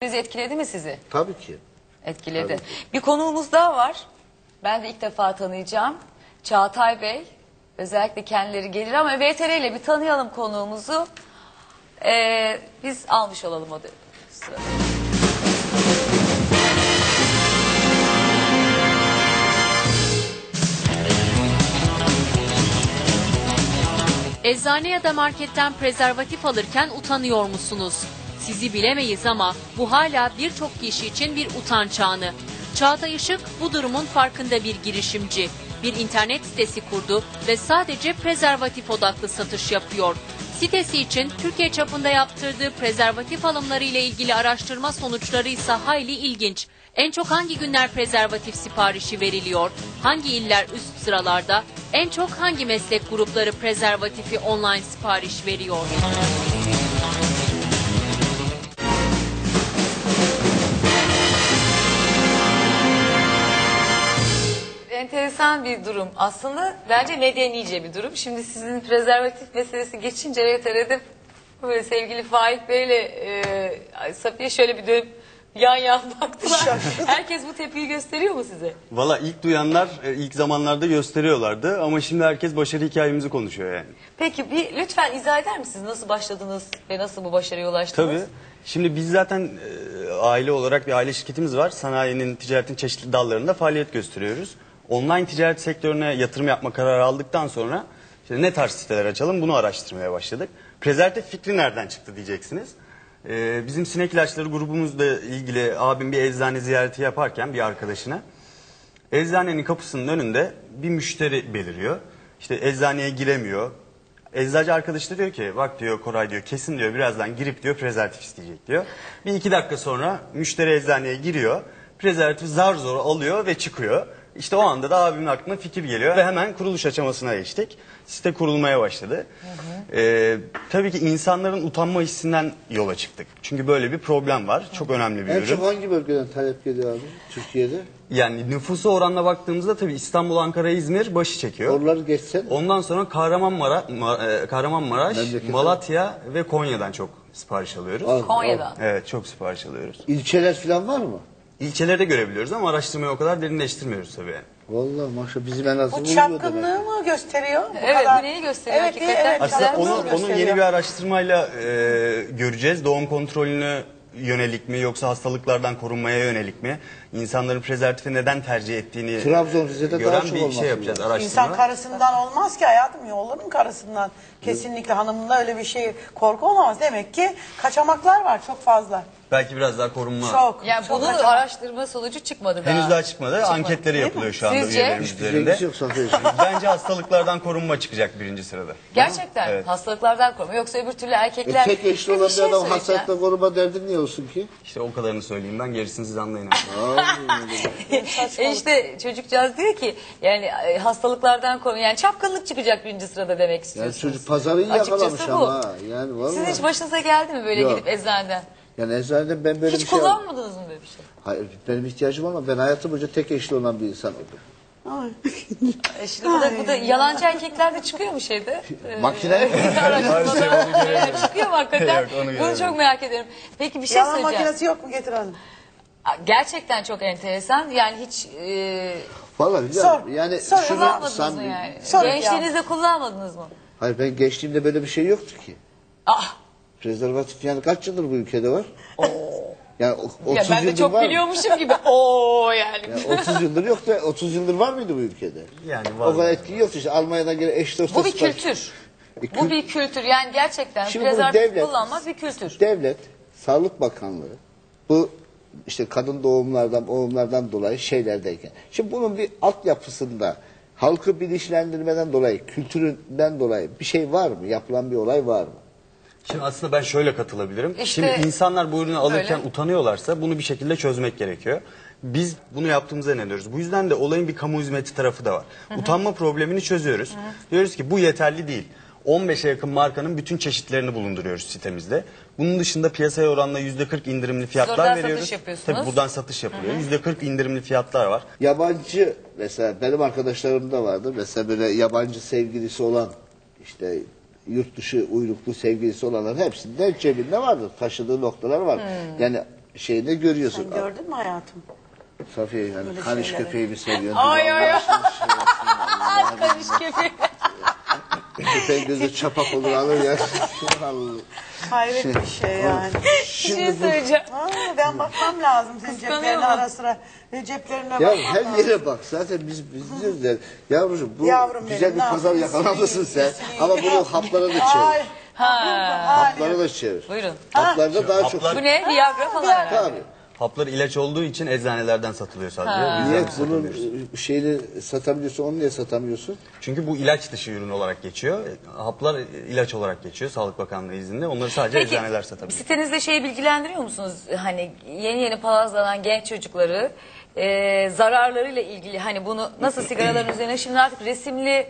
Etkiledi mi sizi? Tabii ki. Etkiledi. Tabii. Bir konuğumuz daha var. Ben de ilk defa tanıyacağım. Çağatay Bey. Özellikle kendileri gelir ama VTR ile bir tanıyalım konuğumuzu. Biz almış olalım o sırada. Eczane ya da marketten prezervatif alırken utanıyor musunuz? Sizi bilemeyiz ama bu hala birçok kişi için bir utanç anı. Çağatay Işık bu durumun farkında bir girişimci. Bir internet sitesi kurdu ve sadece prezervatif odaklı satış yapıyor. Sitesi için Türkiye çapında yaptırdığı prezervatif alımları ile ilgili araştırma sonuçları ise hayli ilginç. En çok hangi günler prezervatif siparişi veriliyor? Hangi iller üst sıralarda? En çok hangi meslek grupları prezervatifi online sipariş veriyor? Enteresan bir durum. Aslında bence medenice bir durum. Şimdi sizin prezervatif meselesi geçince VTR'de böyle sevgili Faik Bey ile Safiye şöyle bir dönüp yan baktılar. Herkes bu tepkiyi gösteriyor mu size? Valla ilk duyanlar ilk zamanlarda gösteriyorlardı ama şimdi herkes başarı hikayemizi konuşuyor yani. Peki bir lütfen izah eder misiniz? Nasıl başladınız ve nasıl bu başarıya ulaştınız? Tabii. Şimdi biz zaten aile olarak bir aile şirketimiz var. Sanayinin, ticaretin çeşitli dallarında faaliyet gösteriyoruz. Online ticaret sektörüne yatırım yapma kararı aldıktan sonra işte ne tarz siteler açalım bunu araştırmaya başladık. Prezervatif fikri nereden çıktı diyeceksiniz. Bizim sinek ilaçları grubumuzla ilgili abim bir eczane ziyareti yaparken bir arkadaşına eczanenin kapısının önünde bir müşteri beliriyor. İşte eczaneye giremiyor. Eczacı arkadaşı da diyor ki bak diyor Koray diyor kesin diyor birazdan girip diyor prezervatif isteyecek diyor. Bir iki dakika sonra müşteri eczaneye giriyor. Prezervatif zar zor alıyor ve çıkıyor. İşte o anda da abimin aklına fikir geliyor ve hemen kuruluş aşamasına geçtik. Site kurulmaya başladı. Tabii ki insanların utanma hissinden yola çıktık. Çünkü böyle bir problem var. Çok önemli bir ürün. En çok hangi bölgeden talep geliyor abi Türkiye'de? Yani nüfusu oranla baktığımızda tabii İstanbul, Ankara, İzmir başı çekiyor. Oraları geçsen. Ondan sonra Kahramanmaraş, Memlekete. Malatya ve Konya'dan çok sipariş alıyoruz. Konya'dan. Evet çok sipariş alıyoruz. İlçeler falan var mı? İlçelerde görebiliyoruz ama araştırmayı o kadar derinleştirmiyoruz tabii yani. Vallahi maşallah bizim en azından Bu çapkınlığı mı gösteriyor? Evet, bu neyi gösteriyor Evet, hakikaten? evet, Aslında çapkınlığı onu gösteriyor. yeni bir araştırmayla göreceğiz. Doğum kontrolünü yönelik mi yoksa hastalıklardan korunmaya yönelik mi? İnsanların prezervatifi neden tercih ettiğini Trabzon, Rize'de daha gören çok bir olması şey yapacağız lazım. araştırma. İnsan karısından olmaz ki hayatım, olur mu karısından? Kesinlikle hanımında öyle bir şey, korku olamaz. Demek ki kaçamaklar var çok fazla. Belki biraz daha korunma. Çok. Yani çok bunun kaçamak. araştırma sonucu çıkmadı daha. Henüz daha çıkmadı. Anketleri yapılıyor şu anda Sizce? üyelerimiz Hiçbir üzerinde. ilgisi yok Safiye. Bence hastalıklardan korunma çıkacak birinci sırada. Gerçekten Evet. hastalıklardan koruma. Yoksa öbür türlü erkekler... Tek eşli olan Bir bir şey adam söyleyeceğim. hastalıkla koruma derdin niye olsun ki? İşte o kadarını söyleyeyim ben gerisini siz anlayın. İşte çocukcağız diyor ki yani hastalıklardan koruma. Yani çapkınlık çıkacak birinci sırada demek Yani istiyorsunuz. çocuk pazarı iyi Açıkçası yakalamış bu. ama. Yani vallahi. Sizin hiç başınıza geldi mi böyle Yok. gidip eczaneden? Yani eczanede ben böyle Hiç bir şey kullanmadınız mı böyle bir şey? Hayır benim ihtiyacım olmadı. Ben hayatım boyunca tek eşli olan bir insan oldum. Şimdi bu da yalancı erkekler de çıkıyor mu şeyde? Makine. Çıkıyor mu hakikaten? Yok, onu Bunu göremedim. çok merak ediyorum. Peki bir şey Yalan söyleyeceğim. makinesi yok mu, getir hanım? Gerçekten çok enteresan. Yani hiç Vallahi Sor. yani Sor, şunu kullanmadınız mı yani? Sor ya. Gençliğinizde kullanmadınız mı? Hayır ben gençliğimde böyle bir şey yoktu ki. Ah, Prezervatif yani kaç yıldır bu ülkede var? Yani 30 ya ben de yıldır çok var mı? biliyormuşum gibi. Oo yani. Yani 30 yıldır yok da 30 yıldır var mıydı bu ülkede? Yani var. O kadar etki yoktu işte Almanya'dan gelen eş dost. Bu bir kültür. Bu bir kültür. Yani gerçekten Şimdi bunu prezervatif kullanmak bir kültür. Devlet, Sağlık Bakanlığı bu işte kadın doğumlardan dolayı şeylerdeyken. Şimdi bunun bir altyapısında halkı bilinçlendirmeden dolayı, kültüründen dolayı bir şey var mı? Yapılan bir olay var mı? Şimdi aslında ben şöyle katılabilirim. İşte Şimdi insanlar bu ürünü alırken öyle. utanıyorlarsa bunu bir şekilde çözmek gerekiyor. Biz bunu yaptığımıza inanıyoruz. Bu yüzden de olayın bir kamu hizmeti tarafı da var. Utanma problemini çözüyoruz. Diyoruz ki bu yeterli değil. 15'e yakın markanın bütün çeşitlerini bulunduruyoruz sitemizde. Bunun dışında piyasaya oranla %40 indirimli fiyatlar oradan veriyoruz. satış yapıyorsunuz. Tabii buradan satış yapılıyor. %40 indirimli fiyatlar var. Yabancı mesela benim arkadaşlarım da vardı. Mesela böyle yabancı sevgilisi olan işte yurt dışı uyruklu sevgilisi olanların hepsinde cebinde vardır. Taşıdığı noktalar var. Yani şeyinde görüyorsun. Sen gördün mü hayatım? Safiye yani Böyle kaniş şeyleri. köpeği mi seviyorsun? Ay ay ay. Allah Kaniş köpeği. Köpeğin gözü çapak olur alır ya. Allah. Hayret bir şey yani. Bir şey söyleyeceğim. Ben bakmam lazım senin Kıskanıyor ceplerine mu? ara sıra. Ceplerine Ya bakmam her lazım. yere bak zaten biz diyoruz ya. Yavrucuğum bu Yavrum güzel benim, bir ne pazar yapayım? yakalamışsın sen. Sileyim. Ama bunu haplara da çevir. Ay, Ha. Haplara da çevir. Buyurun. Haplarda daha çok. Haplar- Bu ne? Viagra falan herhalde. Tabii. Haplar ilaç olduğu için eczanelerden satılıyor sadece. O yüzden Niye satamıyoruz. bunun şeyini satabiliyorsun, onu niye satamıyorsun? Çünkü bu ilaç dışı ürün olarak geçiyor. Haplar ilaç olarak geçiyor Sağlık Bakanlığı izniyle. Onları sadece Peki eczaneler satabiliyor. sitenizde şeyi bilgilendiriyor musunuz? Hani yeni palazlanan genç çocukları zararlarıyla ilgili hani bunu nasıl sigaraların üzerine şimdi artık resimli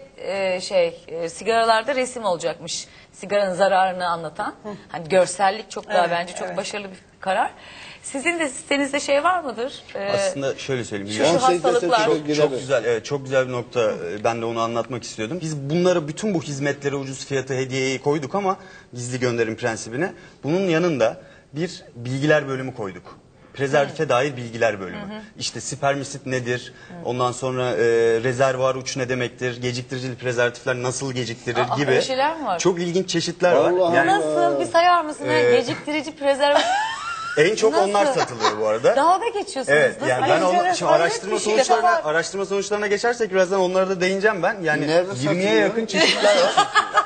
sigaralarda resim olacakmış. Sigaranın zararını anlatan. Hani görsellik çok daha Evet, bence çok evet. başarılı bir karar. Sizin de sitenizde şey var mıdır? Aslında şöyle söyleyeyim. Şu hastalıklar. Çok güzel, evet, çok güzel bir nokta. Ben de onu anlatmak istiyordum. Biz bunları, bütün bu hizmetlere ucuz fiyatı hediyeyi koyduk ama gizli gönderim prensibine. Bunun yanında bir bilgiler bölümü koyduk. Prezervatife dair bilgiler bölümü. İşte spermisit nedir? Ondan sonra rezervuar uç ne demektir? Geciktiricili prezervatifler nasıl geciktirir Aa, gibi. öyle şeyler mi var? Çok ilginç çeşitler Allah var. Yani Nasıl? Bir sayar mısın? Geciktirici prezervatif. en çok Nasıl? onlar satılıyor bu arada. Dalga geçiyorsunuz. Evet, Nasıl? yani Ay, ben enteresan, şimdi araştırma hayret bir şey. araştırma sonuçlarına geçersek birazdan onlara da değineceğim ben. Yani Nerede 20'ye satılıyor? yakın çeşitler var.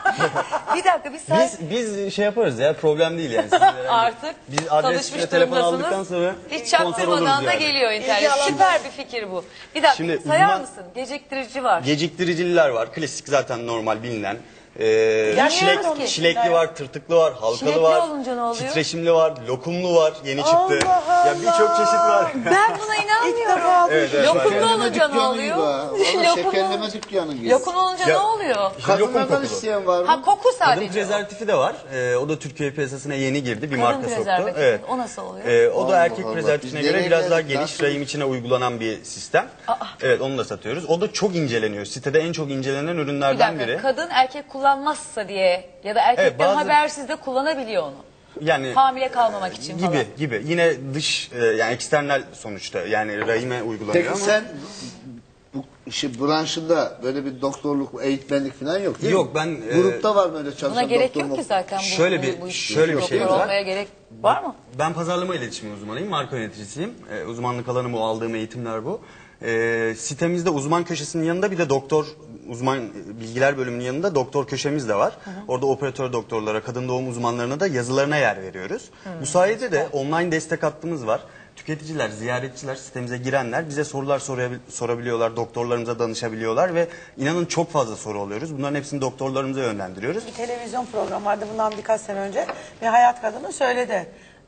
Bir dakika bir say. Biz şey yaparız ya, problem değil yani. Sizlere Artık biz adres tanışmış ve telefon durumdasınız. aldıktan sonra Hiç sponsor oluruz çaktırmadan da yani. geliyor internet. İlgi alanı. Süper bir fikir bu. Bir dakika Şimdi sayar uzman- mısın? Geciktirici var. Geciktiriciler var. Klasik zaten normal bilinen. Bilmiyoruz ki. Çilekli var, tırtıklı var, halkalı Çilekli var. olunca ne oluyor? Titreşimli var, lokumlu var, yeni çıktı. Allah Ya birçok çeşit var. Ben buna inanmıyorum. Evet, evet, Lokumlu var. olunca ne oluyor? Şekerleme dükkanı gibi. Lokum olunca Ya- ne oluyor? İşte lokum Kadınlardan kokulu. isteyen var mı? Ha koku Kadın sadece. prezervatifi de var. O da Türkiye piyasasına yeni girdi. Bir Kadın marka soktu. prezervatifi. Evet. O nasıl oluyor? O da Allah erkek Allah. prezervatifine Biz göre nereye biraz daha geldik? geniş Nasıl? rahim içine uygulanan bir sistem. Evet, onu da satıyoruz. O da çok inceleniyor. Sitede en çok incelenen Bir ürünlerden dakika biri. kadın erkek kullanmazsa diye ya da erkekten Evet, bazı- habersiz de kullanabiliyor onu. Yani Hamile kalmamak için falan. gibi. Yine dış yani eksternal sonuçta. Yani rahime uygulanıyor Peki ama. sen bu işi branşında böyle bir doktorluk, eğitmenlik falan yok değil Yok, mi? ben, Grupta var böyle çalışan Buna gerek doktor yok ki mu? zaten. Şöyle bir doktor şeyimiz var. olmaya gerek var mı? Ben pazarlama iletişimi uzmanıyım, marka yöneticisiyim. Uzmanlık alanım o, aldığım eğitimler bu. Sitemizde uzman köşesinin yanında bir de doktor, uzman bilgiler bölümünün yanında doktor köşemiz de var. Orada operatör doktorlara, kadın doğum uzmanlarına da yazılarına yer veriyoruz. Bu sayede de online destek hattımız var. Tüketiciler, ziyaretçiler, sitemize girenler bize sorular sorabiliyorlar, doktorlarımıza danışabiliyorlar ve inanın çok fazla soru alıyoruz. Bunların hepsini doktorlarımıza yönlendiriyoruz. Bir televizyon programı vardı bundan birkaç sene önce. Bir hayat kadını söyledi.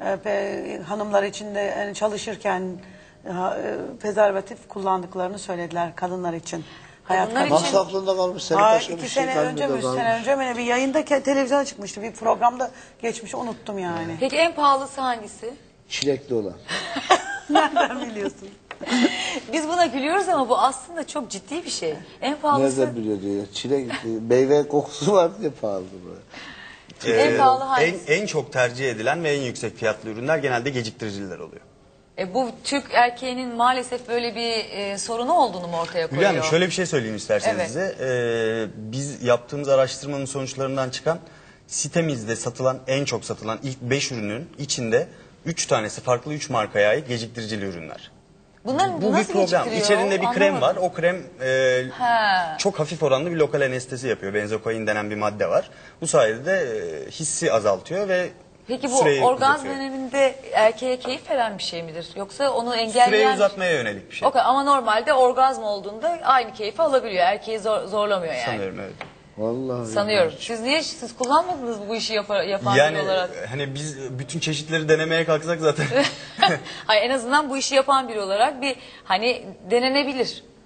Hanımlar için de yani çalışırken prezervatif kullandıklarını söylediler kadınlar için. Hayat Kadınlar kadını. için- Nasıl aklında kalmış? Senin Hayır, başka bir 2 şey sene kalbinde önce mi, 3 kalmış. sene önce mi bir yayında televizyona çıkmıştı. Bir programda geçmiş, unuttum yani. Peki en pahalısı hangisi? Çilekli olan. Nereden biliyorsun? Biz buna gülüyoruz ama bu aslında çok ciddi bir şey. En pahalısı Nereden biliyor diyor. Çilek, meyve kokusu var diye pahalı bu. en pahalı hangisi? En çok tercih edilen ve en yüksek fiyatlı ürünler genelde geciktiriciler oluyor. Bu Türk erkeğinin maalesef böyle bir sorunu olduğunu mu ortaya koyuyor? Hülya Hanım, şöyle bir şey söyleyeyim isterseniz Evet. size. Biz yaptığımız araştırmanın sonuçlarından çıkan sitemizde satılan, en çok satılan ilk 5 ürünün içinde 3 tanesi farklı 3 markaya ait geciktiricili ürünler. Bunların Bu bir nasıl problem. geciktiriyor? İçerinde bir krem var. Anlamadım. O krem Ha. çok hafif oranlı bir lokal anestezi yapıyor. Benzokain denen bir madde var. Bu sayede de hissi azaltıyor ve Peki bu süreyi orgazm uzatıyor. döneminde erkeğe keyif veren bir şey midir? Yoksa onu engelleyen... Süreyi uzatmaya yönelik bir şey. Okay, ama normalde orgazm olduğunda aynı keyfi alabiliyor. Erkeği zorlamıyor yani. Sanıyorum, evet. Vallahi. Sanıyorum. Siz kullanmadınız bu işi yapan Yani biri olarak? hani biz bütün çeşitleri denemeye kalksak zaten. Hayır, en azından bu işi yapan biri olarak bir hani denenebilir.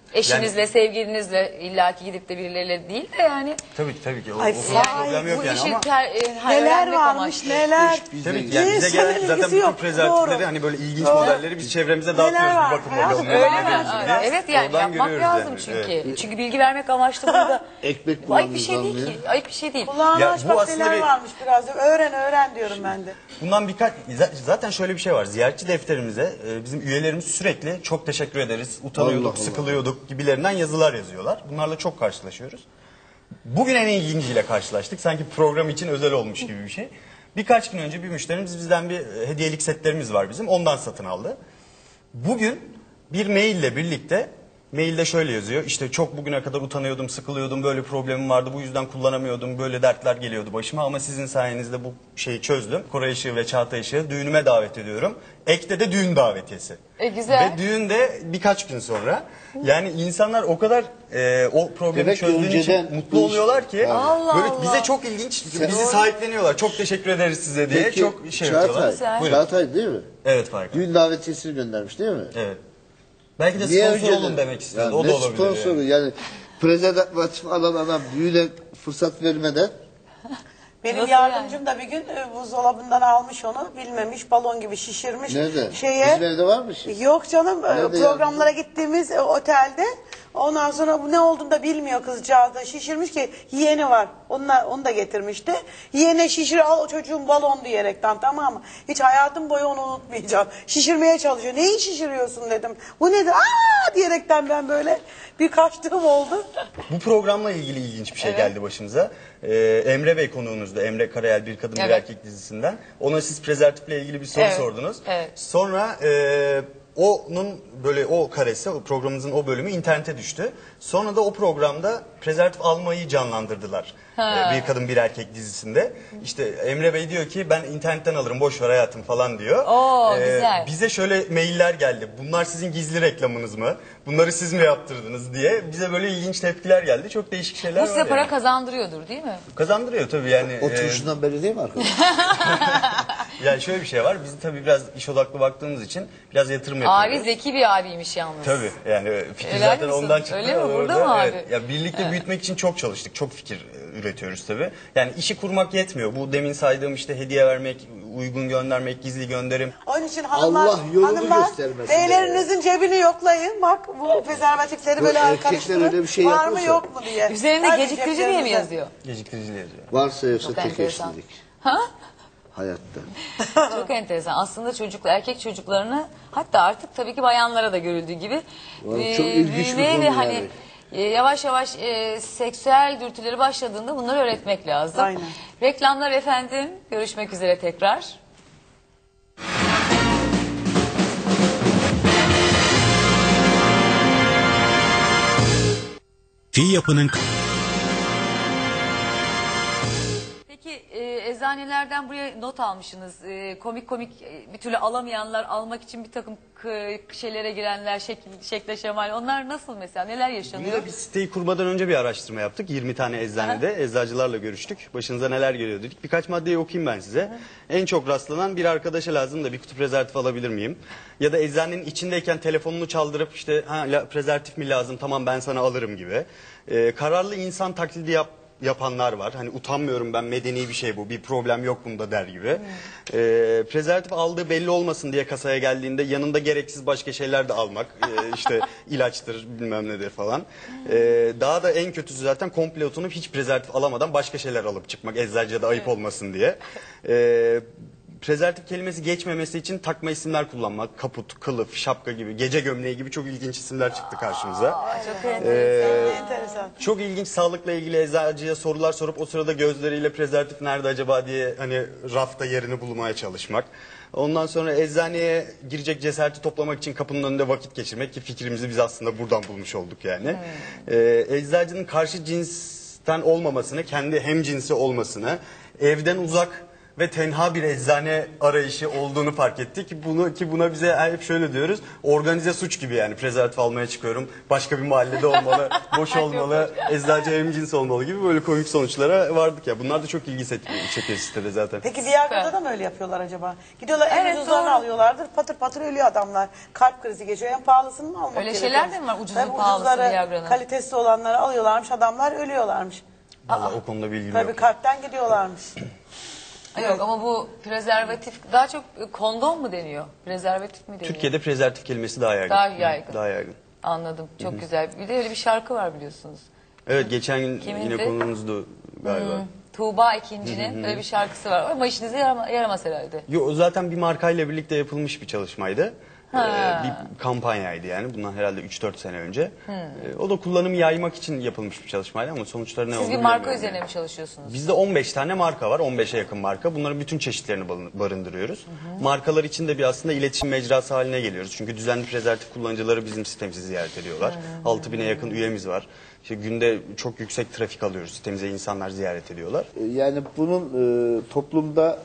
Eşinizle, sevgilinizle illaki gidip de birileriyle değil de yani. Tabii ki. O, Ay, o konuda vay, problem yok Bu yani işi ama... Neler öğrenmek varmış amaçlı. neler. Tabii ki yani bize İnsanın gelen zaten ilgisi bütün yok. prezervatifleri Doğru. hani böyle ilginç Doğru. modelleri biz çevremize Neler dağıtıyoruz. var? Bir bakın Hayatım, bakalım Öyle neler mi? var diye. Evet yani Oradan yapmak görüyoruz lazım yani. çünkü. Evet. Çünkü bilgi vermek amaçlı burada. Ekmek Ayıp bir şey bulanınız değil ki. Ayıp bir şey değil. Kulağını Ya aç bu bak aslında neler bir- varmış biraz. Öğren diyorum ben de. Bundan zaten şöyle bir şey var. Ziyaretçi defterimize bizim üyelerimiz sürekli çok teşekkür ederiz, utanıyorduk, Allah Allah. sıkılıyorduk gibilerinden yazılar yazıyorlar. Bunlarla çok karşılaşıyoruz. Bugün en ilginciyle karşılaştık. Sanki program için özel olmuş gibi bir şey. Birkaç gün önce bir müşterimiz bizden bir hediyelik setlerimiz var bizim. Ondan satın aldı. Bugün bir maille birlikte, mailde şöyle yazıyor. İşte çok bugüne kadar utanıyordum, sıkılıyordum, böyle problemim vardı. Bu yüzden kullanamıyordum, böyle dertler geliyordu başıma. Ama sizin sayenizde bu şeyi çözdüm. Koray Işığı ve Çağatay Işığı düğünüme davet ediyorum. Ekte de düğün davetiyesi. Güzel. Ve düğün de birkaç gün sonra. Yani insanlar o kadar o problemi Demek ki çözdüğün için önceden mutlu bu iş- oluyorlar ki. Allah Böyle Allah. bize çok ilginç, bizi sahipleniyorlar. Çok teşekkür ederiz size diye Peki, çok şey yapıyorlar. Güzel. Buyurun. Çağatay değil mi? Evet Faik. Düğün davetiyesini göndermiş değil mi? Evet. Belki de Niye sponsor önceden? olun demek istiyordu. Yani O da ne olabilir. sponsoru yani. yani prezervatif alan adam düğüne fırsat vermeden Benim Nasıl yardımcım da bir gün buzdolabından almış onu, bilmemiş, balon gibi şişirmiş. nerede? Şeye, Bizim evde var mı şey? Yok canım, Nerede programlara gittiğimiz otelde. Ondan sonra bu ne olduğunu da bilmiyor kızcağız da, şişirmiş ki yeğeni var. Onu da getirmişti. Yeğene şişir al o çocuğun balon diyerekten, tamam mı? Hiç hayatım boyu onu unutmayacağım. Şişirmeye çalışıyor. Neyi şişiriyorsun dedim. Bu nedir? Aa diyerekten ben böyle bir kaçtığım oldu. Bu programla ilgili ilginç bir şey geldi başımıza. Emre Bey konuğunuzda. Emre Karayel Bir Kadın Bir Evet. Erkek dizisinden. Ona siz prezervatifle ilgili bir soru Evet, sordunuz. evet. Sonra onun böyle o karesi, o programımızın o bölümü internete düştü. Sonra da o programda prezervatif almayı canlandırdılar. Bir Kadın Bir Erkek dizisinde. İşte Emre Bey diyor ki ben internetten alırım boş ver hayatım falan diyor. Oo, güzel. Bize şöyle mailler geldi. Bunlar sizin gizli reklamınız mı? Bunları siz mi yaptırdınız diye. Bize böyle ilginç tepkiler geldi. Çok değişik şeyler Bu var. size para yani. kazandırıyordur değil mi? Kazandırıyor tabii yani. Oturuşundan belli değil mi arkadaş? Yani şöyle bir şey var. Biz tabii biraz iş odaklı baktığımız için biraz yatırım yapıyoruz. Abi zeki bir abiymiş yalnız. Tabii yani fikir Helal zaten misin? ondan çıktı. Öyle mi? Burada Orada, mı abi? evet. Ya birlikte büyütmek için çok çalıştık. Çok fikir üretiyoruz tabii. Yani işi kurmak yetmiyor. Bu demin saydığım işte hediye vermek, uygun göndermek, gizli gönderim. Onun için hanımlar, Allah yolunu hanımlar göstermesin beylerinizin cebini yoklayın. Bak bu prezervatifleri Bu böyle erkekler karıştırın. öyle bir şey var mı yapıyorsa- yok mu diye. Üzerinde Hadi geciktirici diye mi ceplerinize. yazıyor? Geciktiricili yazıyor. Varsa yoksa Çok tek enteresan. eşlilik. Ha? Hayatta. Çok enteresan. Aslında erkek çocuklarını, hatta artık tabii ki bayanlara da görüldüğü gibi Vallahi çok ilginç bir büyümeye konu ve yani. hani yavaş yavaş seksüel dürtüleri başladığında bunları öğretmek lazım. Aynen. Reklamlar efendim. Görüşmek üzere tekrar. Yapının Peki eczanelerden buraya not almışsınız. Komik bir türlü alamayanlar, almak için bir takım şeylere girenler, şekle şemal. Onlar nasıl mesela? Neler yaşanıyor? Burada biz siteyi kurmadan önce bir araştırma yaptık. 20 tane eczanede eczacılarla görüştük. Başınıza neler geliyor dedik. Birkaç maddeyi okuyayım ben size. En çok rastlanan bir arkadaşa lazım da bir kutu prezervatif alabilir miyim? Ya da eczanenin içindeyken telefonunu çaldırıp işte prezervatif mi lazım tamam ben sana alırım gibi. Kararlı insan taklidi yapanlar var. Hani utanmıyorum ben medeni bir şey bu bir problem yok bunda der gibi. Prezervatif aldığı belli olmasın diye kasaya geldiğinde yanında gereksiz başka şeyler de almak. İşte ilaçtır bilmem nedir falan. Daha da en kötüsü zaten komple oturup hiç prezervatif alamadan başka şeyler alıp çıkmak. Eczacıya da ayıp olmasın diye. Prezervatif kelimesi geçmemesi için takma isimler kullanmak. Kaput, kılıf, şapka gibi, gece gömleği gibi çok ilginç isimler çıktı karşımıza. Çok enteresan. Enteresan. Çok ilginç sağlıkla ilgili eczacıya sorular sorup o sırada gözleriyle prezervatif nerede acaba diye hani rafta yerini bulmaya çalışmak. Ondan sonra eczaneye girecek cesareti toplamak için kapının önünde vakit geçirmek ki fikrimizi biz aslında buradan bulmuş olduk yani. Eczacının karşı cinsten olmamasını, kendi hemcinsi olmasını, evden uzak ve tenha bir eczane arayışı olduğunu fark ettik. Buna bize hep şöyle diyoruz. Organize suç gibi yani. Prezervatif almaya çıkıyorum. Başka bir mahallede olmalı. Boş olmalı. Eczacı hemcins olmalı gibi böyle komik sonuçlara vardık ya. Bunlar da çok ilgi çekiyor sitede zaten. Peki Viagra'da da mı öyle yapıyorlar acaba? Gidiyorlar en Evet, ucuzlarını doğru. alıyorlardır. Patır patır ölüyor adamlar. Kalp krizi geçiyor. En pahalısını mı almak Öyle gerekiyor? şeyler de mi var? Ucuzu, Tabii pahalısı ucuzları, Viagra'nın. kalitesi olanları alıyorlarmış. Adamlar ölüyorlarmış. Vallahi o konuda bilgim Tabii yok. kalpten gidiyorlarmış. Yok ama bu prezervatif daha çok kondom mu deniyor? Prezervatif mi deniyor? Türkiye'de prezervatif kelimesi daha yaygın. Daha yaygın. Daha yaygın. Anladım. Çok güzel. Bir de öyle bir şarkı var biliyorsunuz. Evet, geçen gün Kimindi? yine konumuzdu galiba. Tuğba İkinci'nin öyle bir şarkısı var. Ama işinize yaramaz herhalde. Yo, zaten bir markayla birlikte yapılmış bir çalışmaydı. Bir kampanyaydı yani. Bundan herhalde 3-4 sene önce. O da kullanımı yaymak için yapılmış bir çalışmaydı ama sonuçları ne Siz olduğunu bir marka bilemiyorum üzerine yani. mi çalışıyorsunuz? Bizde 15 tane marka var. 15'e yakın marka. Bunların bütün çeşitlerini barındırıyoruz. Markalar için de bir aslında iletişim mecrası haline geliyoruz. Çünkü düzenli prezervatif kullanıcıları bizim sitemizi ziyaret ediyorlar. 6000'e yakın üyemiz var. İşte günde çok yüksek trafik alıyoruz. Sitemize insanlar ziyaret ediyorlar. Yani bunun toplumda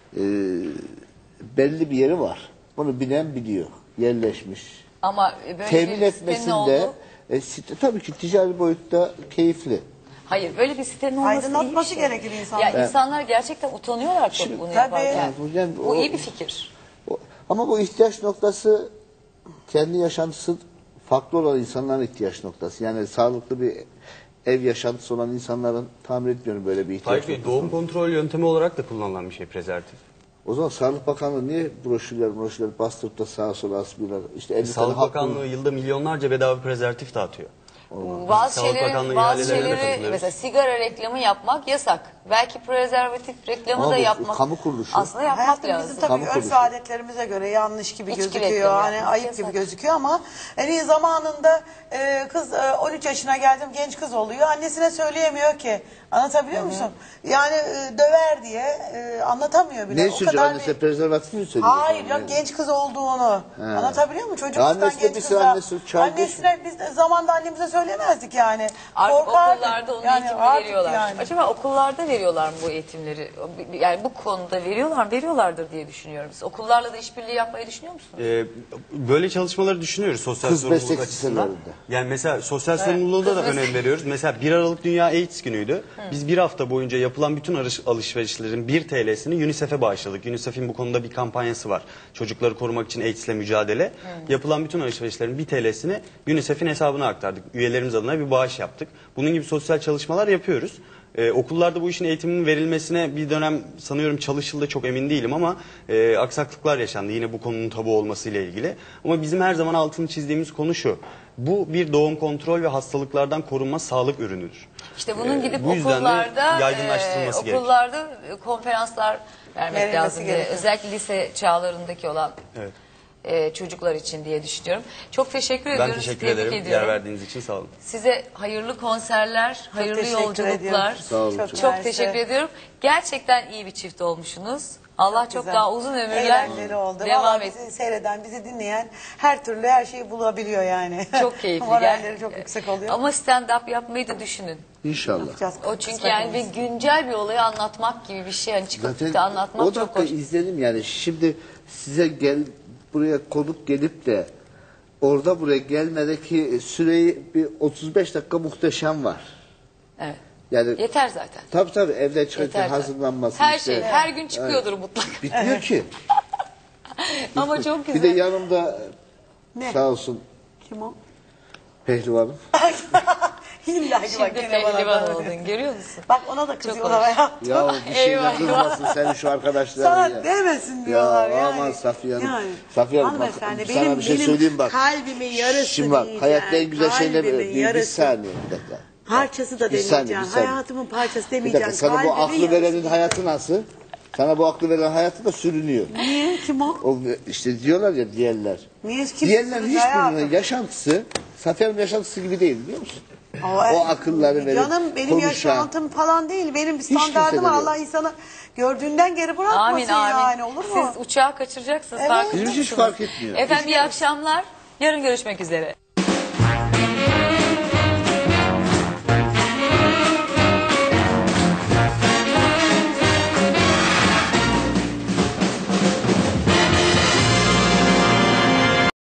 belli bir yeri var. Bunu bilen biliyor. Yerleşmiş. Ama böyle Temin bir sitenin etmesinde olduğu... site tabii ki ticari boyutta keyifli. Hayır böyle bir sitenin olması iyi bir Aydınlatması şey. gerekir insanlar. Ya insanlar gerçekten utanıyorlar çok bunu tabii. yaparken. Yani Bu iyi bir fikir. Ama bu ihtiyaç noktası kendi yaşantısı farklı olan insanların ihtiyaç noktası. Yani sağlıklı bir ev yaşantısı olan insanların tahmin etmiyorum böyle bir ihtiyaç Tabii noktası. doğum kontrol yöntemi olarak da kullanılan bir şey prezervatif. O zaman Sağlık Bakanlığı niye broşürler bastırıp da sağa sola asmıyorlar? İşte 50 tane Sağlık hap Bakanlığı yılda milyonlarca bedava prezervatif dağıtıyor. Bazı Sağlık Bakanlığı bazı ihalelerine de şeyleri katılıyoruz. mesela sigara reklamı yapmak yasak. Belki prezervatif reklamı Ama da bu yapmak. kamu kuruluşu. Aslında yapmak Hayatım lazım. bizim tabii Kamu örf kuruluşu. ve adetlerimize göre yanlış gibi İçki gözüküyor. reklamı Hani yapmak ayıp yasak. gibi gözüküyor ama zamanında kız 13 yaşına geldim genç kız oluyor. Annesine söyleyemiyor ki. Anlatabiliyor musun? Yani döver diye anlatamıyor bile. Ne O söylüyor kadar annesi bir- prezervatif mi söylüyor? Hayır yok Yani? genç kız olduğunu. Anlatabiliyor muyum? Çocuktan Annesi de genç bir kızla. annesi çağırdı. Annesine biz de zamanda annemize söyleyemezdik yani. Artık Korkardık. okullarda onun Yani eğitimini artık veriyorlar. yani. Acaba okullarda veriyorlar mı bu eğitimleri? Yani bu konuda veriyorlardır diye düşünüyorum. Siz okullarla da işbirliği yapmayı düşünüyor musunuz? Böyle çalışmaları düşünüyoruz sosyal Kız sorumluluk meslek açısından. liselerinde. Yani mesela sosyal sorumluluğa da önem veriyoruz. Mesela 1 Aralık Dünya AIDS günüydü. Biz bir hafta boyunca yapılan bütün alışverişlerin 1 TL'sini UNICEF'e bağışladık. UNICEF'in bu konuda bir kampanyası var. Çocukları korumak için AIDS'le mücadele. Yapılan bütün alışverişlerin 1 TL'sini UNICEF'in hesabına aktardık. Üyelerimiz adına bir bağış yaptık. Bunun gibi sosyal çalışmalar yapıyoruz. Okullarda bu işin eğitiminin verilmesine bir dönem sanıyorum çalışıldı, çok emin değilim ama aksaklıklar yaşandı yine bu konunun tabu olmasıyla ilgili. Ama bizim her zaman altını çizdiğimiz konu şu: bu bir doğum kontrol ve hastalıklardan korunma sağlık ürünüdür. İşte bunun gidip bu yüzden de okullarda yaygınlaştırılması gerekiyor. okullarda konferanslar vermek Verilmesi lazım diye. gerekiyor. Özellikle lise çağlarındaki olan Evet. çocuklar için diye düşünüyorum. Çok teşekkür Ben ediyorum. teşekkür Tebrik ederim ediyorum. yer verdiğiniz için, sağ olun. Size hayırlı konserler, hayırlı teşekkür yolculuklar. ediyorum. Sağ olun. Çok mersi. teşekkür ediyorum. Gerçekten iyi bir çift olmuşsunuz. Allah çok Güzel. daha uzun ömürler Eğlenceli oldu. devam Vallahi et. bizi seyreden, bizi dinleyen her türlü her şeyi bulabiliyor yani. Çok keyifli. Moralleri çok yüksek oluyor. Ama stand-up yapmayı da düşünün. İnşallah. Yapacağız. O çünkü Kısmet yani bir olursa. güncel bir olayı anlatmak gibi bir şey. Hani çıkıp Zaten da anlatmak o çok dakika hoş. izledim yani. Şimdi size buraya konuk gelip de orada buraya gelmedeki süreyi bir 35 dakika muhteşem var. Evet. Yani Yeter zaten. tabii evden çıkarken Yeter zaten. hazırlanması Her işte. şey her gün çıkıyordur mutlaka. Bitmiyor ki. Ama çok Bir güzel. de yanımda Ne? sağ olsun Kim o? pehlivanım. İlla ki bak Şimdi gene bana pehlivan da- oldun görüyor musun? Bak ona da kızıyorlar hoş. hayatım. Ya bir şeyle Eyvah. kızmasın senin şu arkadaşların Sana ya. demesin diyorlar Ya yani. aman Safiye Hanım. Yani. Safiye Hanım bak, Hanımefendi, sana bir şey söyleyeyim bak. kalbimin yarısı Şimdi bak diyeceğim. hayatta en güzel şeyler Kalbimin bir yarısı. saniye bir dakika. Parçası da Bir saniye, demeyeceğim. bir saniye. Hayatımın parçası Bir demeyeceğim. dakika sana bu Kalbimin aklı yarısı verenin diyeceğim. hayatı nasıl? Sana bu aklı veren hayatı da sürünüyor. Niye? Kim o? O işte diyorlar ya diğerler. Niye? Kim Diğerlerin sürüyor hayatım? hiçbirinin yaşantısı Safiye Hanım yaşantısı gibi değil biliyor musun? O akılları verip Canım benim konuşan. yaşantım falan değil. Benim bir kimse standardım var. de Allah insanı gördüğünden geri bırakmasın Amin amin. yani olur mu? Siz uçağı kaçıracaksınız. Evet. farkında Bizim hiç mısınız? fark etmiyor. Efendim iyi akşamlar. Yarın görüşmek üzere.